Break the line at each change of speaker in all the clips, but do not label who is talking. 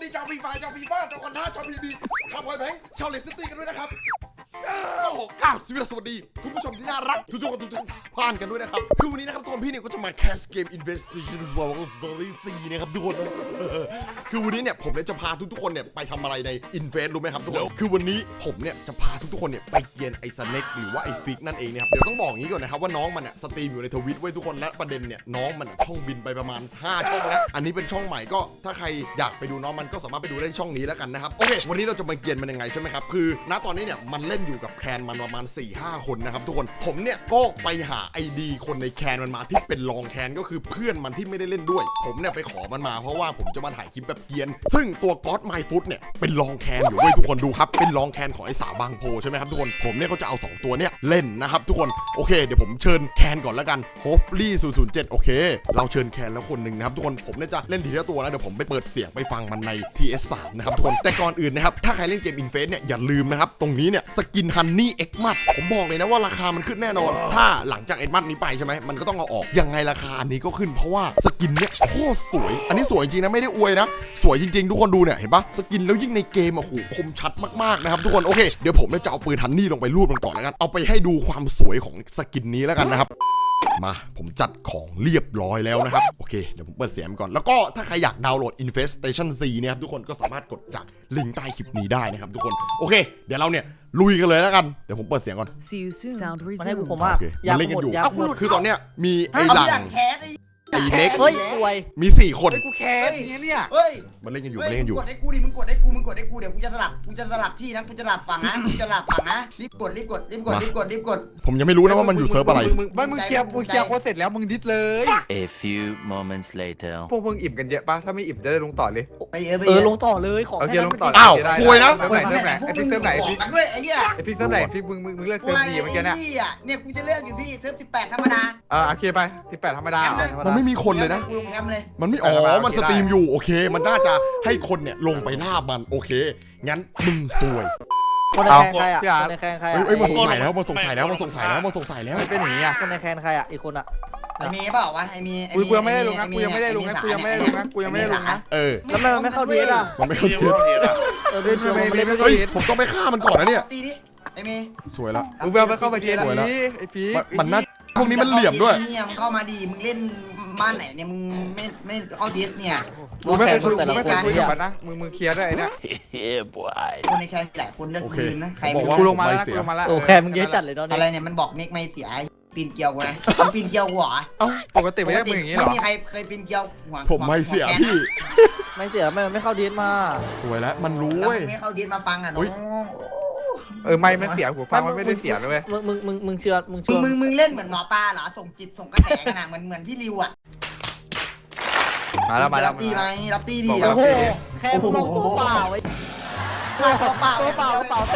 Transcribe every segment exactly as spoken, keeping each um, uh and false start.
ชาวฟีฟ่าชาวฟีฟ่าชาวคอนท่าชาวพีบีชาวพอยแบงค์ชาวเลสซิตี้กันด้วยนะครับโอ้โหก้าวสวัสดีคุณผู้ชมที่น่ารักทุกๆคนทุกท่านผ่านกันด้วยนะครับคือวันนี้นะครับทุกคนพี่เนี่ยก็จะมาแคสเกม Investigation Story สี่นะครับทุกคนคือวันนี้เนี่ยผมเนี่ยจะพาทุกๆคนเนี่ยไปทำอะไรใน Invest รู้ไหมครับทุกคนคือวันนี้ผมเนี่ยจะพาทุกๆคนเนี่ยไปเกียนไอ้สเน็กหรือว่าไอ้ฟิกนั่นเองนะครับเดี๋ยวต้องบอกอย่างนี้ก่อนนะครับว่าน้องมันเนี่ยสตรีมอยู่ในทวิตไว้ทุกคนและประเด็นเนี่ยน้องมันช่องบินไปประมาณห้าช่องแล้วอันนี้เป็นช่องใหม่ก็ถ้าใครอยากไปดูน้องมันก็สามารถไปดูได้ช่องนี้แล้วกันนะครับโอเควันนี้เราจะมาเกียนมันยังไงใช่ไหมครับคือณตอนนี้เนี่ยมันเล่นอยู่กับแคนมันประมาณ สี่ห้า คนนะครับทุกคนผมเนี่ยก็ไปหาไอดีคนในแคนมันมาที่เป็นรองแคนก็คือเพื่อนมันที่ไม่ได้เล่นด้วยผมเนี่ยไปขอมันมาเพราะว่าผมจะมาถ่ายคลิปแบบเกียนซึ่งตัวก็อดไมฟุตเนี่ยเป็นรองแคนอยู่เว้ยทุกคนดูครับเป็นรองแคนของไอ้สาวบางโพใช่ไหมครับทุกคนผมเนี่ยก็จะเอาสองตัวเนี่ยเล่นนะครับทุกคนโอเคเดี๋ยวผมเชิญแคนก่อนแล้วกันโฮฟลี่ศูนย์ศูนย์เจ็ดโอเคเราเชิญแคนแล้วคนหนึ่งนะครับทุกคนผมเนี่ยจะเล่นทีละตัวนะเดี๋ยวผมไปเปิดเสียงไปฟังมันใน ที เอส สาม นะครับทุกคนแต่ก่อนอื่นนะครับถ้าใครเล่นเกม Invest เนี่ยอย่าลืมนะครับตรงนี้เนี่ยสกินฮันนี่เอ็กมัดผมบอกเลยนะว่าราคามันขึ้นแน่นอนถ้าหลังจากเอ็กมัดนี้ไปใช่ไหมมันก็ต้องเอาออกยังไงราคาอันนี้ก็ขึ้นเพราะว่าสกินเนี่ยโคตรสวยอันนี้สวยจริงนะไม่ได้อวยนะสวยจริงๆทุกคนดูเนี่ยเห็นปะสกินแล้วยิ่งในเกมอ่ะโหคมชัดมากๆนะครับทุกคนโอเคเดี๋ยวผมจะเอาปืนฮันนี่ลงไปรูดมันก่อนแล้วกันเอาไปให้ดูความสวยของสกินนี้แล้วกันนะครับมาผมจัดของเรียบร้อยแล้วนะครับโอเคเดี๋ยวผมเปิดเสียงก่อนแล้วก็ถ้าใครอยากดาวน์โหลด Infestation สี่เนี่ยครับทุกคนก็สามารถกดจากลิงก์ใต้คลิปนี้ได้นะครับทุกคนโอเคเดี๋ยวเราเนี่ยลุยกันเลยแล้วกันเดี๋ยวผมเปิดเสียงก่อน
See you soon. Sound
มันให้กู
resumed.
ผมว่า
โอเค
อยาก
มันเล่นกันอยู่
อยาก
เอ้า
หมด
คือตอนเนี้ยมีไอ้หลังไอ้เน็ก
เฮ้ยสวย
มีสี่คน
กูแค้นอย่างเงี้ยเนี่ย
เฮ้ย
มันเล่นกันอยู่
เฮ้
มัน
ย
เล่นกันอยู่
กดให้กูดิมึงกดให้กูมึงกดให้กูเดี๋ยวกูจะสลับกูจะสลับที่นะกูจะสลับฝั่งนะกูจะสลับฝั่งนะรีบกดรีบกดรีบกดรีบกดรีบกด
ผมยังไม่รู้นะว่ามันอยู่เซิร์ฟอะไร
มึงมึงไม่มึงเคลียร์มึงเคลียร์โค้ดเสร็จแล้วมึงดิสเลย
A few moments later
พวกมึงอิ่มกันเยอะปะถ้าไม่อิ่มจะได้ลงต่อเลย
ไปเออไป
เอ
เอ
อ
อ
ลงต่อเลยของ
โอเคลงต่อ
อ้าวซวยนะ
เติมไหนเติมไหนไอฟิกเติมไหนไอฟิก
กันด้วยไอ้เหี้ย
ไอฟิกเติมไหนฟิกมึงมึงมึงเลือกเติมดีเมื่อกี้เนี่ย
เนี่ยกูจะเลือกอยู่พี่เซิร์ฟสิบแปดธรรมดา
อ่าโอเคไปสิบแปดธรรมดา
มันไม่มีคนเลยนะ
กูลงแคมป์เลย
มันไม่อ๋อมันสตรีมอยู่โอเค มันน่าจะให้คนเนี่ยลงไปล่ามันโอเคงั้นมึงซวย
คนในแคนใครอ่ะคนในแคนใคร
เฮ้ย
อ่ะ
เฮ้ยมันสงสัยแล้วมันสงสัยแล้วมันสงสัยแล้วมันสงสัยแล้ว
ไม่เป็นอย่างนี้อ่ะ
คนในแคนใครอ่ะอีกคนอ่ะ
ไอ้เมย์เปล่าวะไอ้เมย์
กูกูยังไม่ได้ลงนะกูยังไม่ได้ลงนะกูยังไม่ได้ลงนะกูยังไม่ได้ลงนะ
เออ
แล้วทำไมมันไม่เข้าเทสอ่ะ
มันไม่เข้าที
เออเป็นเชียวมันเล่นไม่
เฮ้ย
เทส
ผมต้องไปฆ่ามันก่อนนะเนี่ย
ตีดิไอ้เมย์
สวยแล้ว
มึงเอาไปเข้าไปเทียนนี้ไอฟิก
มันน่าพวกนี้มันเหลี่ยมด้วย
เนี่ยมึงเข้ามาดีมึงเล่นบ้านไหนเนี่ยมึงไม่ไม่เข้าเทสเนี่ย
กูไม่เคยคุยกูไม่เคยคุยกับมันนะมึงมึงเคลียร์ได้ไอเนี่ย
Yeah boy
คนในแคนหลายคนเลือกคืนนะใคร
บอกว่า
กูลงมาแล้วกูลงมาแล้ว
โอ้แคนมึงเยอะจัดเลยตอน
อะไร
นี้
เนี่ยมันบอกเน็กไม่เสียปีนเกลียวกูนะปีนเกลียวหัว
เอ้า
ปกติไม่ได้มึงอย่างนี้หร
ไม่
อ
มีใครเคยปีนเกลียวหัว
ผมไม่เสียพี่
ไม่เสียไม่มันไม่เข้าเทสมา
สวยแล้วมันรู้
แล้ว
เว้ย
ไม่เข้าเทสมาฟังอ่ะน้อง
เออไม่ไม่เสียหูฟังมันไม่ได้เสียเลย
มึงมึงมึงมึงเชื่อมึง
มึ
เชื่
ง
อ
มึงมึงเล่นเหมือนหมอปลาเหรอส่งจิตส่งกระแสกันนะเหมือนเหมือนพี่ริวอ่ะ
มาแล้วมาแล้ว
รับตีไหมรับตีดี
โอ้โหแคนมึงลงตัวเปล่าไอ้
ตัวเปล่า
ตัวเปล่ากระเป๋าเต้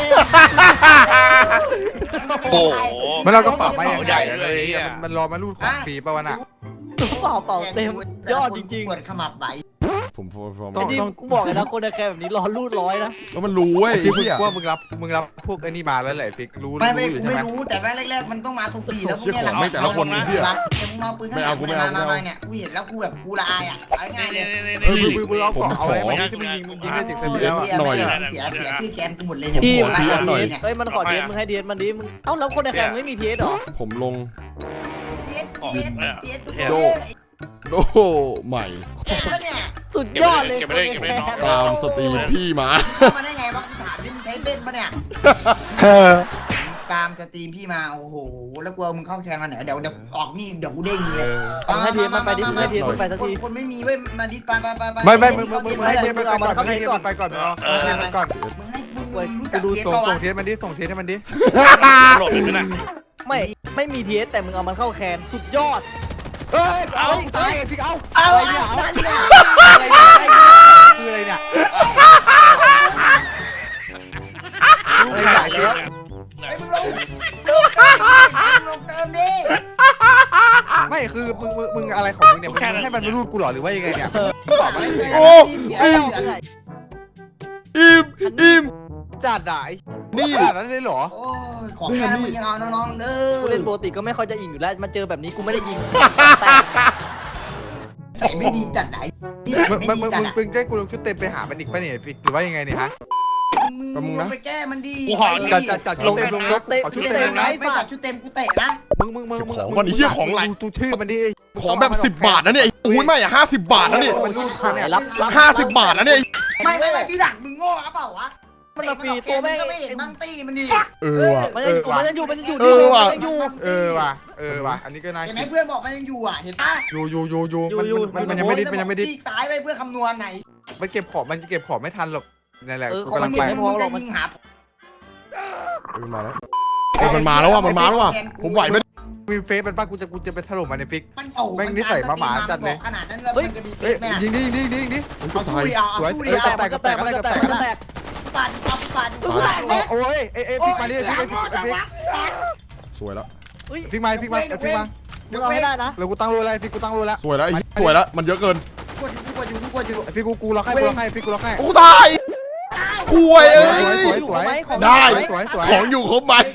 โอ้โห
มันเราก็ปรับมาอย่างใหญ่เลยมันรอมาลูดของฟรีป่าวะน่ะ
ตัวเปล่าเปล่าเต็มยอดจริง
ปวดขมับไหล
ผมผมผม
ๆไอ้นี่กูบอกเลยนะคนในแคนแบบนี้รอรูดร้อยนะ
แล้วมันรู้เว้ย
ฟิก
พี่อะ
ว่ามึงรับมึงรับพวกไอ้นี่มาแล้วแหละฟิกรู้
ไม่ไม่
รู้อยู่
กู
ใช่
ไม่
ไหม
รู้แต่ว่าแรกๆมันต้องมาส่งตีแล้วพวกเนี้ยหลัง
ไม่แต่ละคนนะพี่อะ
แต่มึงมาปืนข้างหลังมามาเนี่ยกูเห็นแล้วกูแบบกูละอายอ่ะเอาง่ายเลย
เออมึงมึงมึงเอาเกาะเอาอะไรมาที่มึงยิงมึงยิงได้ถึงเซนแล้วอ่ะ
หน่อย
เสียเสียชื่อแคนกูหมดเลยเนี่ย
พี่
ขอทีหน่อย
เฮ้ยมันขอเทสมึงให้เทสมันดิมึงเอ้าแล้วคนในแคนไม่มีเทสหรอ
ผมลง
เทียดเทียดเทียด
โด โอ้โหใหม่
เนี่ย
สุดยอดเลย
ตามสตรีมพี่มา
มาได้ไงวะกูถามดิมึงใช้เล่นปะเนี่ยตามสตรีมพี่มาโอ้โหแล้วกลัวมึงเข้าแคนมาไหนเดี๋ยวเดี๋ยวออกนี่เดี๋ยวกูเด้งเลย
มึงให้เทสมันไปดิมึงให้เทสมันไปสัก
คน
ที
คนไม่มีเว้ยมาดิไปไปไปไป
ไม่ไม่มึงมึงมึงให้เทียบไปก่อนมึงให้เทียบไปก่อนเนาะไปก่อน
มึงให้มึงรู้จั
จะ
ก
ดู
เทียด
ส่ง
ปะ
ส่
วะ
งเทียบมันดิส่งเทียบให้มันดิ
โหลดไปไหน
ไม่ไม่มีเทสแต่มึงเอามันเข้าแคนสุดยอด
เฮ้ยเอาตายฟิกเอา
เอา
อะไร
เอา
เนี่ย
เอา
อะไรเนี่ยคืออะไรเนี่ยอะไรใหญ่แล้ว
ไอ้มึงลงลงเติมดิ
ไม่คือมึงมึงมึงอะไรของมึงเนี่ยมึงให้มันมารูดกูหรอหรือว่ายังไงเนี่ยตอบมาเลย
โอ้อิ่มอิ่มอิ่ม
จัดอ่ะ
นี่
ขนาดนั้นเลยเหรอ
โอ้ยของแค่นั้นมึงยังเอาน้องๆเด้อ
กูเล่นปกติก็ไม่ค่อยจะอิ่มอยู่แล้วมันเจอแบบนี้กูไม่ได้ยิง
แต่ไม่ดีจัดไหนนี่
มึง
ไม่
มึง
ดี
มึง
จัด
มึงได้กูลงชุดเต็มไปหามันอีกปะเนี่ยฟิกหรือว่ายังไงเนี่ยฮะ
มึงลงไปแก้มันดี
จัดจัดจัดชุดเต็มลงรถ
เตะ
ขอชุ
ชุ
ด
ด
เต็
เต็
ม
ม
นะ
นะไม่จัดชุดเต็มกูเตะนะ
มึงมึงมึงมึง
ของก่อนไอ้เหี้ยของไหล
ดูชื่อมันดิ
ของแบบสิบบาทนะเนี่ยอุ้ยไม่อะห้าสิบบาทนะเนี่ย
มันรูดคันเนี่ย
รับรับ
ห้าสิบบาทนะเนี่ย
ไม่ไม่ไม่พี่หลังมึงโง่หรือเปล่าวะ
มันมาฟรีตัวแม่ง
ก็ไม่เห็นมั่งตี้มันดี
เออว่ะ
มันยังอยู่มันยังอยู่มันยังอยู่
เออว่ะ
มันยังอยู่
เออว่ะเออว่ะอันนี้ก็น่า
เห็นไหม
คิด
เพื่อนบอกมันยังอยู่อ่ะเห็นปะ
อยู่อยู่อยู่อยู่
อยู่
มัน
อยู่
มันมันยังไม่ได้มันยังไม่ได้
ที่ตายไปเพื่อคำนวณไหน
มันเก็บของมันจะเก็บของไม่ทันหรอกนั่นแหละ
เออ
กู
ของ
กำ
มั
ลั
น
ง
มี
ไป
ไม่พอหรอก
จะ
มัน
ยิงหา
เออมาแล้วเออมันมาแล้วว่ะมันมาแล้วว่ะผมไหวไหม
มีเฟซมันป้ากูจะกูจะไปถล่มมันในฟิก
มันโอ้
แม่งนิสัยหมาๆจัดเลย
ขนาดนั้นเลยมันจะมีเฟ
เอ้ย
ซไหมอะ
ยิงดิยิงดิยิงดิยิงดิ
เอาสู้ดิเอาเอา
สวย
สู้
เอ
ดิ
อ
เอา
แตก
ก็
ก็
แต
แต
ก
ก
มั
ก็
น
แต
ก็
ก
แต
ก็
ก
แต
มัน
ก
ก็แตก
ปั่นเอาปั่น
เอาโอ้ยเอ้ยเอ้ยฟิกมาดิฟิกมาดิฟิกฟิกฟิก
สวยแล้ว
เฮ้ย
ฟิกมาฟิกมาฟิกมา
มึงเอาให้ได้นะ
แล้วกูตั้งรูอะไรฟิกกูตั้งรูแล้ว
สวยแล้วไอ้สวยแล้วมันเยอะเกิน
กดอยู่กดอยู่กดอยู่
ไอ้ฟิกกูกูล็อกให้กูล็อกให้ฟิกกูล็อกให้
โอ้ตายคุยเอ้
สวย
ย
สวยสวย
ของ
ได้
สวยสวย
ของอยู่ครบไหม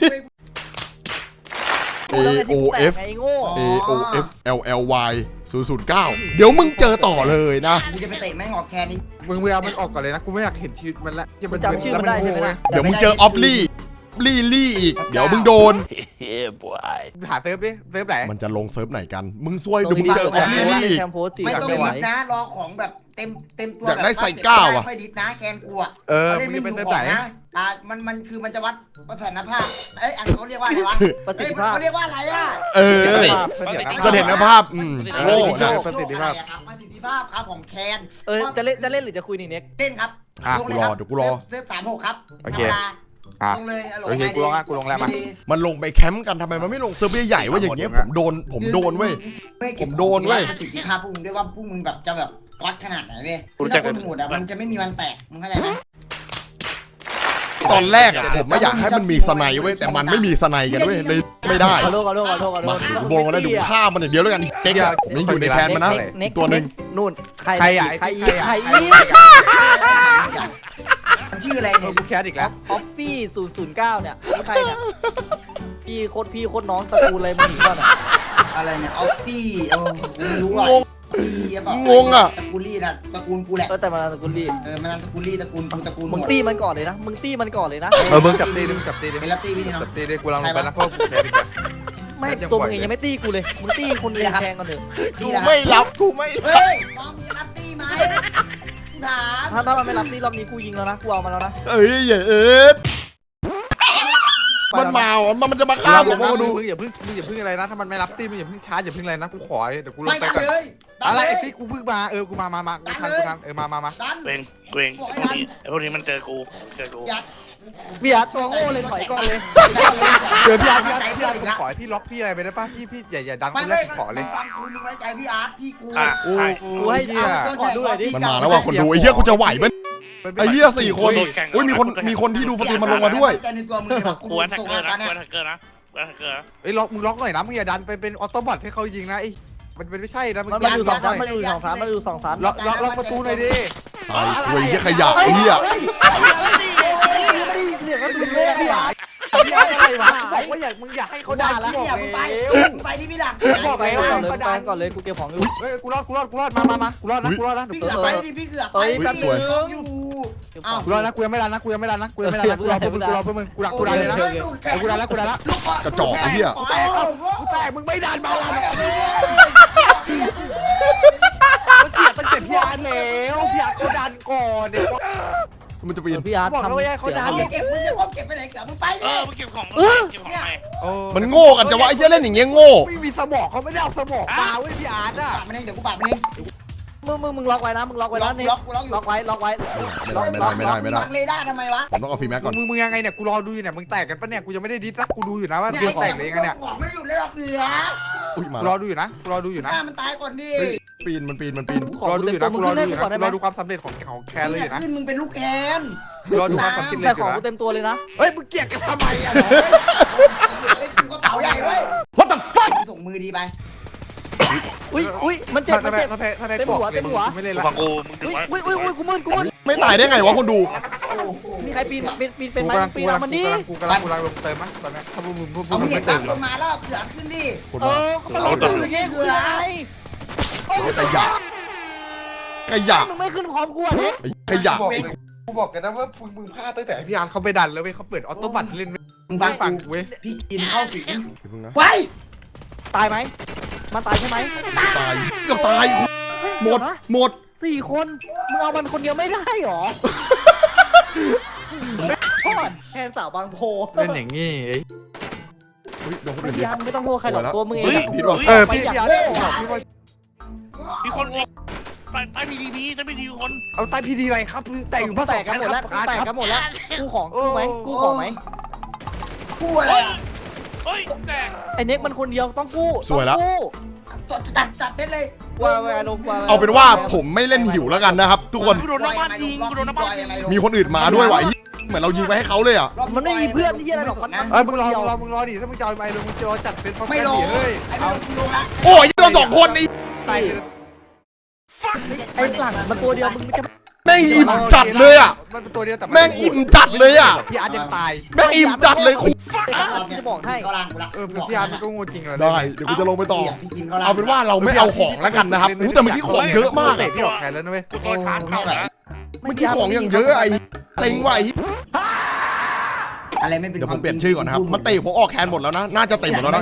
A O F
ไอ้โง่
A O F L L Y ศูนย์ ศูนย์ เก้าเดี๋ยวมึงเจอต่อเลยนะ
กูจะไปเตะแม่งออกแคนนี่
มึงเวลามันออกก่อนเลยนะกูไม่อยากเห็นชีวิตมันละ
มึงจำชื่อมันได้ใช่ไหมนะ
เดี๋ยวมึงเจอออฟลี่ลี่ลี่อีก เดี๋ยวมึงโดน
Yeah, boy.
หาเซิร์ฟดิเซิร์ฟไหน
มันจะลงเซิร์ฟไหนกัน มึงซวยเดี๋ยวมึงเจอออฟลี่ลี่อีก
แคมโพสจี
ไม่
กัน
ต้อง
ไม่ไหว
ดิฟนะรอของแบบเต็มเต็มตัว
อยากได้ใส่ก้าวอะ
ค่อยดิฟนะแคนกูอะ
เออ
เขา
มึ
เล่
ง
นไม่
จะ
อ
เป็น
ยู่
เซิร์ฟไหน
ของนะอ่ามันมันคือมันจะวัดประสิทธิภาพเอ้ยอันเขาเรียกว่าอะไรวะ
ประสิทธิ
เอ้ย
ภาพ
เขาเรียกว่าอะไรล่ะ
เออ
เสถียรภาพ
เสถียรภาพอืมโง่นะ
ประสิทธิภาพ
โลกอะไรอะครับประสิทธิภาพครับของแคน
เออจะเล่นจะเล่นหรือจะคุยนี่เน็ก
เล่นครับ
อ่ะ
ลงเลยคบ
กูรอเดี๋ยวกูรอ
เซิร์ฟสามหกครับ
โอ
ธร
เค
รมดา
อ่ะ
ลงเลยฮัลโหล
โอเคกูลงอ่ะกูลงแล้วมา
ดี
มันลงไปแคมป์กันทำไมมันไม่ลงเซิร์ฟใหญ่ๆว่าอย่างเงี้ยผมโดนผมโดนเว้ย
ๆไม่เก็บ
ผมโดนเว้ย
ประสิทธิภาพพวกมึงด้วยว่าพวกมึงแบบจะแบบวัดขนาดไหนเว้ย
รู้
คือ
จั
ถ้าก คนโหดอะมันจะไม่มีวันแตกมึงเข้าใจไหม
ตอนแรกอะผมไม่อยากให้มันมีสไนเว้ยแต่มันไม่มีสไนกันเว้ยเลยไม่ได้
ขอโทษขอโทษขอโทษขอโท
มา
ษ
ดูโบงกันแล้วดูฆ่ามันอย่างเดียวแล้วกันเก๊กอะผมยังอยู่ในแคนมันนะ
เน็ก
ตัวหนึ่ง
นู่นใคร
ใครอ่ะ
ใคร
ไอ้
อีก
ใค
ใค
ร
ร
อ่ะ
อีก
มันชื่ออะไร
เอ
เนี่
อย กูแคสอีกแล้ว
ออฟฟี่ศูนย์ศูนย์เก้าเนี่ยนี่ใครเนี่ยพี่โคตรพี่โคตรน้องตระกูลอะไรมึงหนีก่อนอ่ะ
อะไรเนี่ยออฟฟี่เออกูไม่รู้อ่ะ
งง
มีเปล่าง
งอะ
ตระกูลลี่นะตระกูลกูแหละ
เออแต่มันตระกูลรีบ
เออมันตระกูลลี่ตระกูลกูตระกูลห
มึง
มด
ตีมันก่อนเลยนะมึงตีมันก่อนเลยนะ
เออมึงจับตีดิมึงจับตีดิ
เป็นลัตตี้พี่นี่
จั
เนาะ
บตีดิกูลองลงไปนะเพราะกูแคสอีกแล้ว
ไม่
ยัง
ตัว
ปล่
มึ
อย
ง
เลย
ยังไม่ตีกูเลยมึงตีคนเดียวแทงกันเถอะ
กูไม่รับกูไม่
เฮ้ยมองมึงจะลัตตี้ไหมถาม
ถ้าถ้ามันไม่รับตีรอบนี้กูยิงแล้วนะกูเอามาแล้วนะ
เอ้ยอย่าเอ็ดมันมาอ่ะมันมันจะมาฆ่าผม
มึ
มาง ดู
มึงอย่าเพิ่งมึงอย่าเพิ่งอะไรนะถ้ามันไม่รับตีมึงอย่าเพิ่งช้าอย่าเพิ่งอะไรนะกูขอเดี๋ยวกูลง
ไม่
ไป
ดัน
ก่อน
เลยดัน
อะไร
เลย
ไอ้พี่กูเพิ่งมาเออกูมามามากูทันกูทันเออมามามา
ดัน
เกรงเกรงไอ้พวกนี้ไอ้พวกนี้มันเจอกูเจอกู
ยัด
เบียร์ตัวโง่เลยถอยก่อนเลย
เดี๋ยวพี่อาร์ตพี่
ใจ
อาร์ตพี่
เพื่อ
อาน ร์ต
อีก
ผม
ละ
ขอให้พี่ล็อกพี่อะไรไปได้ป่ะพี่พี่อย่าอย่าดันค
ไม่
นแร
ไม่
กขอเลย
ฟังกูมึงไว้ใจพี่อาร์ตพี่กู
อ่ะใช่
กูให้
เหี้ย
ขอดูหน่อยดิ
มันมาแล้วว่ะคนดูไอ้เหี้ยกูจะไหวไหมไอ้เหี้ยสี่คนอุ้ยมีคนมีคนที่ดูสตรีมมันลงมาด้วย
ใจในตัวมึงเลยว่ะกู
กวนแท็ก
ส่ง
เกอ
มา
ร์นะ
ตอน
ก
เนี้
วย นแท็กเกอร์นะกวนแท็กเกอร์นะ
เอ้ยล็อกมึงล็อกหน่อยนะมึงอย่าดันไปเป็นออโต้บอทให้เขายิงนะไอ้มันเป็นไม่ใช่นะมึง
มันมาอยู่สองชั้นมันอยู่สองชั้นมันอยู่สองชั้น
ล็อกล็อกล็อกประตูหน่อยดิ
ตายกูไอ้เหี้ยขยะไอ้เหี้ย
เหลือก็ดูเลยพี่อาร์
พี่อาร์ตอะไรวะบอกว่าอยากมึงอยากให้เขาดัน
พี่
กูบ
อ่ะ
อก
มึงไป
แล้ว
มึงไปที่พี่หลัง
บอก
ไป
แล้ว
ก่อนเลยไปก่อนเลยกูเก็บของอยู่
เฮ้ยกูรอดกูรอดกูรอดมามามากูรอดนะกูรอดนะ
พี่เกือบไปดิพี่เกือบไป
เอ้ย
พี่
แป๊บนึง
อยู่เอ้า
กูรอดนะกูยังไม่ดันนะกูยังไม่ดันนะกูยังไม่ดันนะกูรอเพื่อมึงกูรอเพื่อมึงกูดันกูดันเลยนะกูดันแล้วกูดันแล้ว
กระจอกไอ้เหี้ย
กูแตกกูแตกมึงไม่ดันมาแล้วมันเกลียดตั้งแต่พี่อาร์ตแล้วพี่อาร์ตเขาดันก่อนเนี่ย
มันจะปีน
พี่อาร์ต
บอกแล้วว่าเขาดัน
เก็บมึงจะพบเก็บไปไหนเกือบมึงไป
เอ
ดิ
อมึงเก็บของเก็บของไหน
มันโง่กันจะว่าไอ้เหี้ยเล่นอย่างเงี้ยโง่
ไม่มีสมองเขาไม่ได้เอาสมองมาเว้ยพี่อาร์ตอ่ะ
ปากมันเองเดี๋ยวกูปากมันเอง
มึงมึงมึงล็อกไว้นะมึงล็อกไว้
ล็อ
นะ
ก
นี่
ล็อกกูล็อกอยู่
ล็อกไว้ล็อกไว้
ไม่ได้ไม่ได้ไม่ได้
ล็อกเรดาร์ทำไมวะ
ผมต้องเอาฟรีแม็กก่อน
มึงมึงยังไงเนี่ยกูรอดูอยู่เนี่ยมึงแตกกันปะเนี่ยกูยังไม่ได้ดิสนะกูดูอยู่นะว่าเดือดแตกเลยยังไงเนี่ย
ของไม่หยุดเลยหรอกเหลือ
อุ้ยมา
กูรอดูอยู่นะกูรอดูอยู่นะ
ฆ่ามันตายก่อนดิ
ปีนมันปีนมันปีน
ของ
รอ
กู
ดู
เต็
อ
ม
ยู่
ตัว
นะ
มึ
กู
ง
รอ
ขึ้น
ดู
ให้
อ
กู
ยู่
ก่อนได้ไหม
นะกูรอดูความสำเร็จของของแคร์เลยอยู่นะ
ขึ้นมึงเป็นลูกแคน
รอดูความสำเร็จ
แต่
อ
ของ
ยู่นะ
กูเต็มตัวเลยนะ
เฮ้ยมึงเกลียดกันทำไมอ่ะ
ไอ้กูกระเป๋าใหญ่ด้วย
What the fuck
ส่งมือดีไป
อุ้ยอุ้ยมันเจ็บมัน
ถ้าแพ้
เจ็บ
ถ้าแพ้ถ้าแพ้
เต็มหัวเต็มหัว
ไม่เล่น
กู
ละ
ฟังกูมึงถึง
อุ้ย
ว่า
อุ้ยอุ้ยอุ้ยกูมึนกูมึน
ไม่ตายได้ไงวะคนดู
โอ้โห
มีใครปีนปีนปีนเป็น
กู
ไหม
กำลัง
ปี
กู
น
กำลั
เอา
ง
มันดิ
กูกำลังกูกำลังลงเติมมั้งตอนนี้ถ้าพวกมึงพวก
เอา
มึ
มึ
ง
งเห็
ไม่
น
เติ
ปั๊
ม
ม
หร
ค
อก
นมาแล้วเสือขึ้นดิ
คน
เอ
มา
อก็มันลงตื่นนี่คืออะไร
เ
ขยะ
มึงไม่ขึ้นพร้อมกูอ่ะเน็ก
ไอ้ขยะ
กูบอกกูบอกกันนะว่ามึงมึงพลาดตั้งแต่พี่อาร์ตเขาไปดันแล้วเว้ยเขาเปิดออโต้บัตเล่น
มึงฟัง
ฟัง
กู
เว้ย
พี่กินเข้าสิง
เดี๋ยวพึ่งนะ
ไว้
ตายไหมมันตายใช่ไหม
ตายเกือบตาย
เฮ้ย
หมด
เยวนะ
หมด
สี่คนมึงเอามันคนเดียวไม่ได้หรอโทษแทนสาวบางโพ
เล่นอย่างงี้ไอ้
เฮ้ยโดนคน
ไม่
อื่นดิ
ยังไม่ต้องโทษใครหรอกตัวมึงเอง
เฮ้ย
อะ
ผิดว่ะ
เออพี่พี่อาร์ตบอกพี่ว่า
มีคนอีกใต้ใต้มีดีพีจะไม่ดีคน
เอาใต้พีดีอะไรครับแต่อยู่
กู
ภา
แต
ษาก
กันหมดแล้วกู
อาร์ต
แตก
ค
กั
รั
น
บ
หมดแล้วกูของกูไหมกูของไหม
กูอะไร
เฮ้ยแตก
ไอ้เน็กมันคนเดียวต้องกู้
สวยแล้ว
ต้องกู้
ตัดตัดเด็ดเลย
ว่าเวลาลงว่า
เอาเป็นว่าผมไม่เล่นหิวแล้วกันนะครับ ทุกคน
กูโดนน้ำบ้านยิงกูโดนน้ำบ้านยิง
มีคนอื่นมาด้วยว่ะไอ้เหมือนเรายิงไปให้เขาเลยอ่ะ
มันไม่มีเพื่อนที่อะไรหรอกมัน
เออมึงรอมึงรอมึงรอดิถ้ามึงจะเอาไอ้ลงมึงจะเอาจัดเป็นพร้อม
ไม่
กัน
ลง
ดิเฮ้ย
ไอ้
เอา
ไม่ลงกูลงละ
โอ้ยเราสองคนนี่
ตาย
ไอ้หลังมันตัวเดียวมึงจะ
แม่งอิ่มจัดเลยอ่ะ
มันเป็นตัวเดียวแต่
แม่งอิ่มจัดเลยอ่ะ
พี่อาร์ตยังตาย
แม่งอิ่มจัดเลยคุณ
จะบอกให้
เข้าล่างกูละ
เออพี่อาร์ตมันก็โง่จริงเลย
ได้เดี๋ยวกูจะลงไปต่อ
พี่กินเข้าล่าง
เอาเป็นว่าเราไม่เอาของแล้วกันนะครับอู้แต่เมื่อกี้ของเยอะมาก
เตะ
อะ
พี่ออกแขนแล้วนะเว้ย
กูโดนชาร์จเข้านะ
เมื่อกี้ของอย่างเยอะไอ้เต็งว่ะไอ้
อะไรไม่เป็น
เดี๋ยวผมเปลี่ยนชื่อก่อนนะครับมันเตะผมออกแคนหมดแล้วนะน่าจะเตะหมดแล้วนะ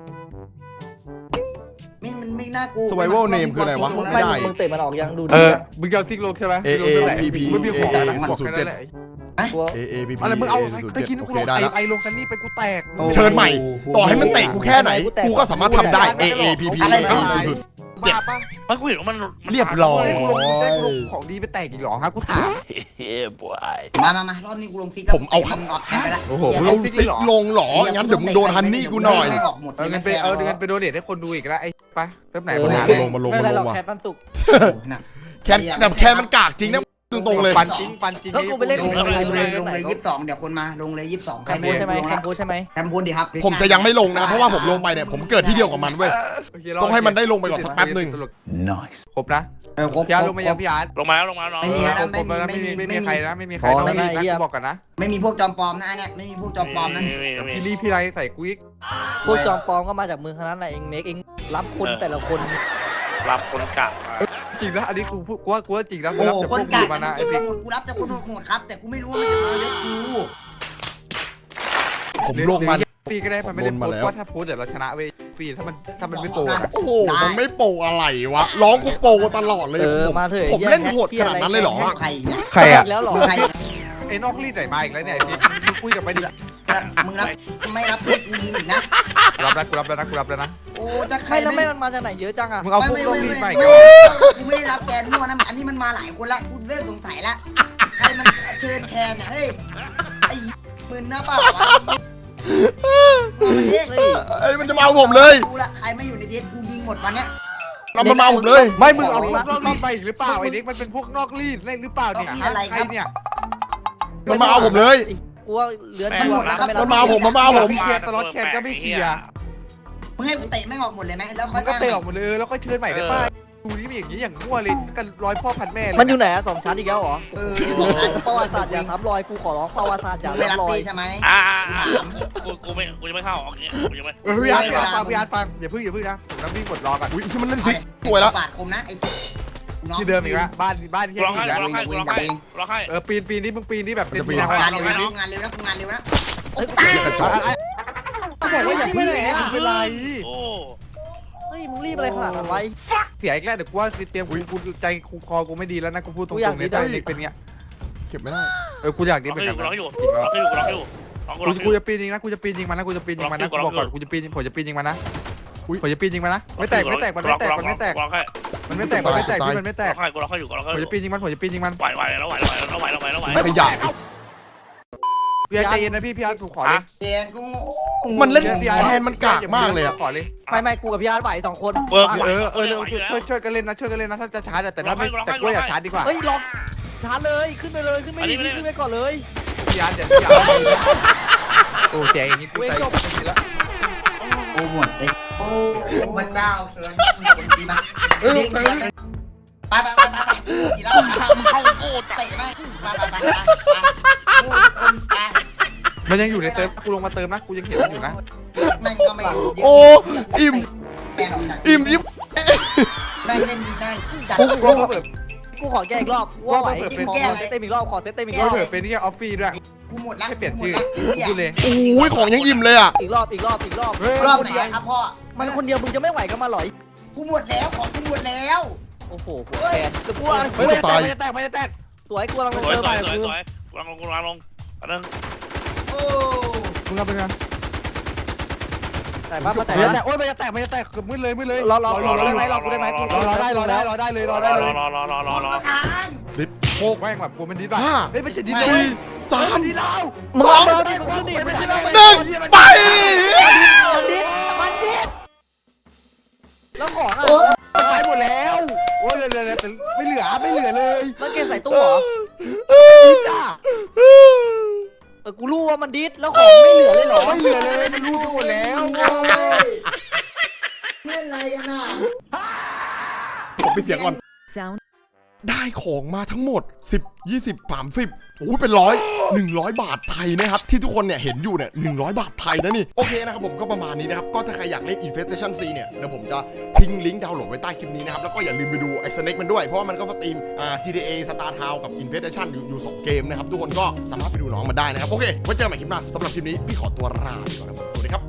ไม่มันไม่น่ากลัว
Survival name คืออะไรวะ
มึง
ไม่
ไม่
ได้
มึงเตะมันออกยังดู
เอ
ดี
อ
อะ
มึงจะเอาซิกโลกใช่ไหม
A A P P
ไม่มีของ
A A
นะบอกแค่นั้นแหละ
ตัว
A A P P
อะไรมึงเอา
ศูนย์
ตะ
เจ็ด
กี้
โอ
กู
เค
ลง
ได้
ไอ้
แล้ว
ไอ้ลงกันนี่ไปกูแตก
เชิญใหม่ ต่อให้มันเตะกูแค่ไหน กูก็สามารถทำได้ A A P P
อะไร
สุด
บ้าปะ
มันกูเห็นว่ามัน
เรียบร้อย
กูลงกูแจ้งกูลงของดีไปแตกอีกหรอฮะกูถาม
เฮ้ยบวย
มามามารอบนี้กูลงซิก
ผมเอา
มึงออกแค่ไปละ
โอ้โห
ๆเอาซิกลงเหรองั้นเดี๋ยวมึงโดนฮันนี่กูหน่อย
ไม่ออกหมด
เออเงินไปเออเงินไปโดเนทให้คนดูอีกแล้วไอ้ปะเริ่มไหน
เอ
ปัญ
อ
หา
มาลงมาลง
ไม่
มา
เป็นไร
ล
หรอง ก
ว่ะ
แคทมันสุก
แคนแต่แคนมันกากจริงนะตรงๆเลย
ปันจริงปันจริง
แล้วกูไปเล่น
ลงเลยลงเลยลงเลยยี่สิบสองเดี๋ยวคนมาลงเลยยี่สิบสอง
แคมพูใช่ไหมแคมพูใช่ไหม
แคมพูดิครับ
ผมจะยังไม่ลงนะเพราะว่าผมลงไปเนี่ยผมเกิดที่เดียวกับมันเว้ย ต้องให้มันได้ลงไปก่อนสักแป๊บหนึ่ง
ครบนะ
เออครบ
พี่อาร์ตลงมายังพี่อาร์ต
ลงมาแล้วลงมาแล้วน้อง
ไม่มี
เออ
นะ
ครบครบแล้วนะไม่มีไม่มีใครนะไม่มีใครต้องรีบนะกูบอกกันนะ
ไม่มีพวกจอมปลอมนะอันเนี่ยไม่มีพวกจอมปลอมนะ
พี่นี่พี่ไรใส่กูอีก
พวกจอมปลอมก็มาจากมือขนาดนั้นแหละเองเน็กเองรับคนแต่ละคน
รับคนกะ
จริงนะอันนี้กูพูดกูว่ากูว่าจริงนะกู
โอ้
รับ
โห
จาก
ค
พวน ก
กา
กู
ก
มานะไอ้
กู
พี่
กูรับจากคนโหดครับ แต่กูไม่รู้ว่ามันจะมาเยอะกู
ผมลงมา
ฟรีก็ได้มันไม่ได้
ลง
โพ
มา
ส
แล้
ต์
ว
ว่าถ้าโพสต์เดี๋ยวเราชนะเว้ยฟรีถ้ามันถ้ามันไม่โปรนะ
โอ้โหมันไม่โปรอะไรวะร้องกูโปรตลอดเลย
เออ
ผม
มาเถอะ
ผมเล่นโหดขนาดนั้นเลยเหรอ
ใครเนี่ย
ใครอ่ะ
แล้วหรอ
ใคร
ไอ้นอกรีดไหนมาอีกแล้วเนี่ยพี่มึงคุยกับไปดิ
มึงรับไม่รับเด็กกูยิงอีกนะ
รับแล้วกูรับแล้วนะกูรับแล้วนะ
โอ้จะใคร
ไม่แล้วไม่มันมาจากไหนเยอะจังอะ
มึงเอาพวกนอกรีดมาอีก
กูไม่ได้รับแกนมั่วนะอันนี้มันมาหลายคนละกูเริ่มสงสัยละใครมันเชิญแคนเนี่ยเฮ้ยไอ้มึนนะเปล่าวะมันเด็ก
เฮ้ย
ไอ้ยมันจะมาเอาผมเลย
กูละใครไม่อยู่ในเด็กกูยิงหมดวันเนี้ย
เรามันมาเอาผมเลย
ไม่มึงเอาพวกนอกรีดมาอีกหรือเปล่าไอ้เด็กมันเป็นพวกนอกรีดเล่นหรือเปล่าเนี่ยใครเนี่ย
มันมาเอาผมเลย
กูว่าเลือน
มันมาเอาผมมันมาเอาผม
เคลียร์ตลอดแคนก็ไม่เคลียร์
มึงให้กูเตะไม่ออกหมดเลยไหมแล้วค่
มั
อย
นก็เตะออกหมดเลยแล้วก็เชิญใหม่ได้ป่ะดูนี่มีอย่างนี้อย่างมั่วเลยกันร้อยพ่อพันแม่เลย
มันอยู่ไหนอะสองชั้นอีกแล้วเหรอ
เออ
ประวัติศาสตร์อย่าซ้ำรอยกูขอร้องประวัติศาสตร์อย่า
ไม่รับ
ซ้ำรอย
ตีใช่ไหม
อ่ากูกูไม่กูจะไม่เข้าออกเงี้ยกูจะไม่
เออพี่อาร์ตฟังพี่อาร์ตฟังอย่าพึ่งอย่าพึ่งนะผมน้ำวิ่งกดรอก่อน
อุ้ยที่มันเล่นซิกสวยแล้ว
ปาดคมนะไอ้
ที่เดิมอีกแล้วบ้านบ้านที่
ร้อง
อี
ให้
กแล้ว
ร้องให้ร้องให้ร้องให้
เออปีนปีนนี่มึงปีนนี่แบบเป็นปีน
งาน
ทาง
เร็วนะงานเร็วนะงานเร็วนะโอ้ตาย
ก็บอกว่าอย่าพึ่งเลยไม่เป็นไร
โอ้
เฮ้ยมึงรีบอะไรขนาดนั้นไว้
เสียอีกแล้วเดี๋ยวกูว่าเตรียมกูกูใจกูคอกูไม่ดีแล้วนะกูพูดตรงๆเนี่ยเด็กเป็นเงี้ย
เก็บไม่ได้
เออกูอยากดี
ร้อง
เป็น
ให้อ
แบบ
ยู่
นั้น
ร้องให้อยู่ร้องให้อยู่ร้องให้อยู่ร้อง
กู
ให้
กู
อยู่
จะปีนยิงนะกูจะปีนยิงมันนะกูจะปีนยิงมันนะกูบอกก่อนกูจะปีนผมจะปีนยิงมันนะผมจะปีนยิงมันนะไม่แตกไม่แตกมันไม่แตกมันไม่แตก
ร้องให้
มันไม่แตกมันไม่แตกพี่มันไม่แต
ร้
ก
องให้กูร้องให้อยู่กูร้องให้
ผม
อยู่
จะปีนยิงมันผมจะปีนยิงมัน
ไหวไหวแล้วไหวแล้วไหวแล้วไหวแล้วไหว
ขยะ
พี่อาร์ตใจเย็นนะพี่พี่อาร์ตถูกขอเลย
เปลี่ยนกู
มันเล่นแทนมันกากมากเลยอะ
ขอเลย
ไม่ไม่กูกับพี่อาร์ตไหวสองคน
เวิร์ก
เออเออช่วยช่วยกันเล่นนะช่วยกันเล่นนะถ้าจะชาร์จแต่ถ้าไม่แต่กูอยากชาร์จดีกว่า
เฮ้ยลองชาร์จเลยขึ้นไปเลยขึ้นไปดิขึ้นไปก่อนเลย
พี่อาร์ตเดี๋ยวพี่อาร์ตโอ้แจอย่างนี้กูใจแล้ว
โอ้หมดเลยโอ้มันเจ้าเชิญดีมากไปไปไปไปกี่แล้ว
มึงเข้าโคตร
เตะไหมไปไปไปไปคนไป
มันยังอยู่ในเติมกูลงมาเติมนะกูยังเห็นมันอยู่นะ
แม่งก็ไม่
โอ้อิ่ม
แม่งออกจาก
อิ่มยิบ
แม่งเล่นได้จัด
กูกูเปิดกู
กูขอแก้อีกรอบว่าไหวขอเซตเต็มอีกรอบขอเซตเต็มอีกร
ก็
อบ
เถอะเป็นแค่ออฟฟี่ด้วย
กูหมดละ
แค่เปลี่ยน
กู
ชื่อ
หมดละไอ้เหี้ย
พูดเลย
โอ้ยของยังอิ่มเลยอ่ะ
อีกรอบอีกรอบอีกรอบ
เฮ้ย
รอบไหนอะครับพ่อ
มันคนเดียวมึงจะไม่ไหวก็มาหรอ
กูหมดแล้วของกูหมดแล้ว
โอ้โหหัวแกนจะกูว่า
เฮ้ยมันจะแตกมันจะแตกมันจะแตก
สวยกูกำลัง
ส
ลง
วย
เจอ
ส
ไป
วยสวย
กู
สวยกูรังลงกูรังลงอันนึง
โอ้
มึงเอาไปกัน
แต่ว่ามาแต่
มันจะแตกโอ้ยมันจะแตกมันจะแตกเกือบมืดเลยมืดเลย
รอรอรอได้ไหมรอกูได้ไหมกู
รอรอได้รอได้รอได้เลยรอได้เลย
รอรอรอรอรอ
ทาน
ดิบหก
แม่งแบบกูมันดิดว่ะ
ห้า
เฮ้ยมันจะดิด
สี่สาม
ดิดเรา
มึง
สอง
เอาดิกูดิไม่ใช่
หนึ่งไป
มันดิมันดิแล้วของอ่ะ
ไปหมดแล้วโอ้ยเหลือเหลือไม่เหลือไม่เหลือเลย
มันเก็บใส่ตู้เหรอ
จ้า
เออกูรู้ว่ามันดิสแล้วของไม่เหลือเลยเหรอ
ไม่เหลือเลยมันรู้หมดแล้ว
โอ้ยเล่นอะไรกันน่ะ
ผมไปเสียงก่อน
Sound
ได้ของมาทั้งหมดสิบ ยี่สิบ สามสิบโอ้ยเป็นร้อยหนึ่งร้อยบาทไทยนะครับที่ทุกคนเนี่ยเห็นอยู่เนี่ยหนึ่งร้อยบาทไทยนะนี่โอเคนะครับผมก็ประมาณนี้นะครับก็ถ้าใครอยากเล่น Infestation C เนี่ยเดี๋ยวผมจะทิ้งลิงก์ดาวน์โหลดไว้ใต้คลิปนี้นะครับแล้วก็อย่าลืมไปดู X Snake มันด้วยเพราะว่ามันก็สตรีมอ่า จี ที เอ Star Town กับ Infestation อยู่อยู่สองเกมนะครับทุกคนก็สามารถไปดูน้องมันได้นะครับโอเคไว้เจอกันใหม่คลิปหน้าสำหรับคลิปนี้พี่ขอตัวลาไปก่อนนะครับสวัสดีครับ